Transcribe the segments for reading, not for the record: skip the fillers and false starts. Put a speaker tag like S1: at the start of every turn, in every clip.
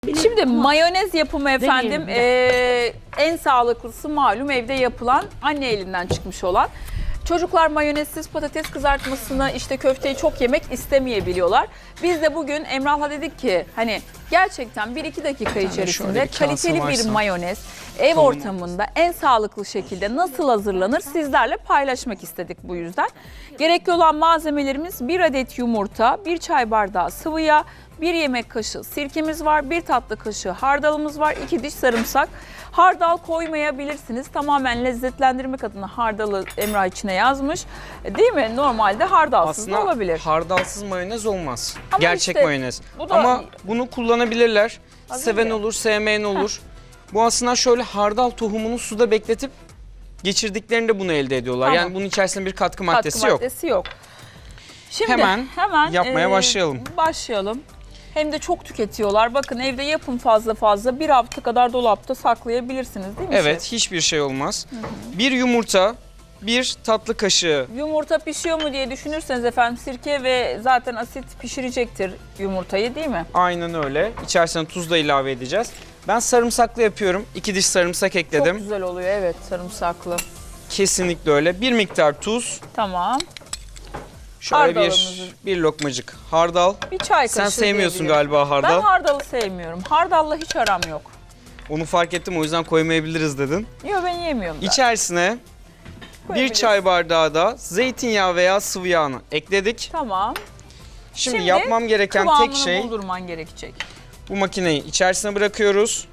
S1: Şimdi mayonez yapımı efendim en sağlıklısı malum evde yapılan, anne elinden çıkmış olan. Çocuklar mayonezsiz patates kızartmasını, işte köfteyi çok yemek istemeyebiliyorlar. Biz de bugün Emrah'la dedik ki hani gerçekten 1-2 dakika içerisinde kaliteli bir mayonez ev ortamında en sağlıklı şekilde nasıl hazırlanır sizlerle paylaşmak istedik bu yüzden. Gerekli olan malzemelerimiz 1 adet yumurta, 1 çay bardağı sıvı yağ, 1 yemek kaşığı sirkemiz var, 1 tatlı kaşığı hardalımız var, 2 diş sarımsak. Hardal koymayabilirsiniz. Tamamen lezzetlendirmek adına hardalı Emrah içine yazmış. Değil mi? Normalde hardalsız da olabilir.
S2: Hardalsız mayonez olmaz.
S1: Ama
S2: gerçek
S1: işte,
S2: mayonez.
S1: da,
S2: ama bunu kullanabilirler. Seven
S1: ya.
S2: olur, sevmeyen olur. Bu aslında şöyle hardal tohumunu suda bekletip geçirdiklerinde bunu elde ediyorlar.
S1: Tamam.
S2: Yani bunun içerisinde bir katkı maddesi yok.
S1: Şimdi
S2: hemen yapmaya başlayalım.
S1: Başlayalım. Hem de çok tüketiyorlar. Bakın evde yapın fazla. 1 hafta kadar dolapta saklayabilirsiniz değil mi?
S2: Evet, hiçbir şey olmaz. Bir yumurta, 1 tatlı kaşığı.
S1: Yumurta pişiyor mu diye düşünürseniz efendim sirke ve zaten asit pişirecektir yumurtayı değil mi?
S2: Aynen öyle. İçerisine tuz da ilave edeceğiz. Ben sarımsaklı yapıyorum. 2 diş sarımsak ekledim.
S1: Çok güzel oluyor evet sarımsaklı.
S2: Kesinlikle öyle. Bir miktar tuz.
S1: Tamam.
S2: Şöyle bir lokmacık hardal.
S1: Bir çay kaşığı
S2: Sen sevmiyorsun
S1: diyebilirim.
S2: galiba hardal.
S1: Ben hardalı sevmiyorum. Hardalla hiç aram yok.
S2: Onu fark ettim, o yüzden koymayabiliriz dedin.
S1: Yok ben yemiyorum da.
S2: İçerisine 1 çay bardağı da zeytinyağı veya sıvı yağını ekledik.
S1: Tamam.
S2: Şimdi yapmam gereken tek şey
S1: buldurman gerekecek.
S2: bu makineyi içerisine bırakıyoruz.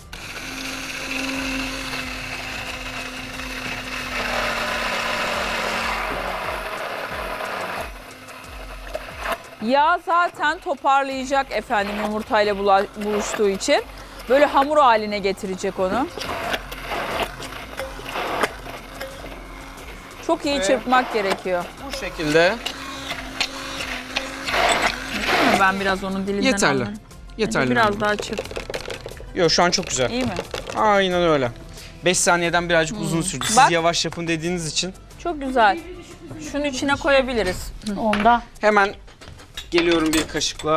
S1: Yağ zaten toparlayacak efendim yumurtayla buluştuğu için. Böyle hamur haline getirecek onu. Çok iyi çırpmak gerekiyor.
S2: Bu şekilde.
S1: Değil mi? Ben biraz onun dilinden
S2: Yeterli.
S1: anlarım.
S2: Yeterli.
S1: Biraz daha çırp.
S2: Yok, şu an çok güzel.
S1: İyi mi?
S2: Aynen öyle. 5 saniyeden birazcık uzun sürdü. Siz
S1: Bak.
S2: yavaş yapın dediğiniz için.
S1: Çok güzel. Şunu içine koyabiliriz.
S3: Onda.
S2: Hemen geliyorum bir kaşıkla.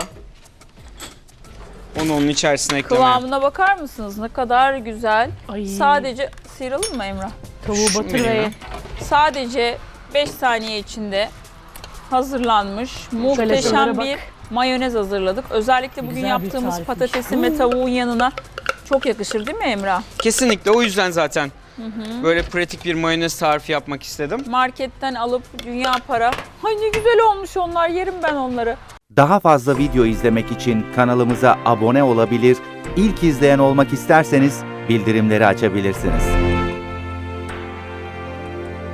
S2: Onu onun içerisine eklemeye.
S1: Kıvamına bakar mısınız? Ne kadar güzel.
S3: Ay.
S1: Sadece sıyıralım mı Emrah?
S3: Tavuğu
S2: Şunu
S3: batır ve
S2: vereyim
S3: ye.
S1: Sadece 5 saniye içinde hazırlanmış muhteşem
S3: şuralara bak.
S1: bir mayonez hazırladık. Özellikle bugün
S3: Güzel bir
S1: yaptığımız
S3: tarifmiş.
S1: patatesin ve tavuğun yanına çok yakışır değil mi Emrah?
S2: Kesinlikle, o yüzden zaten böyle pratik bir mayonez tarifi yapmak istedim.
S1: Marketten alıp dünya para. Ay ne güzel olmuş onlar, yerim ben onları.
S4: Daha fazla video izlemek için kanalımıza abone olabilir, ilk izleyen olmak isterseniz bildirimleri açabilirsiniz.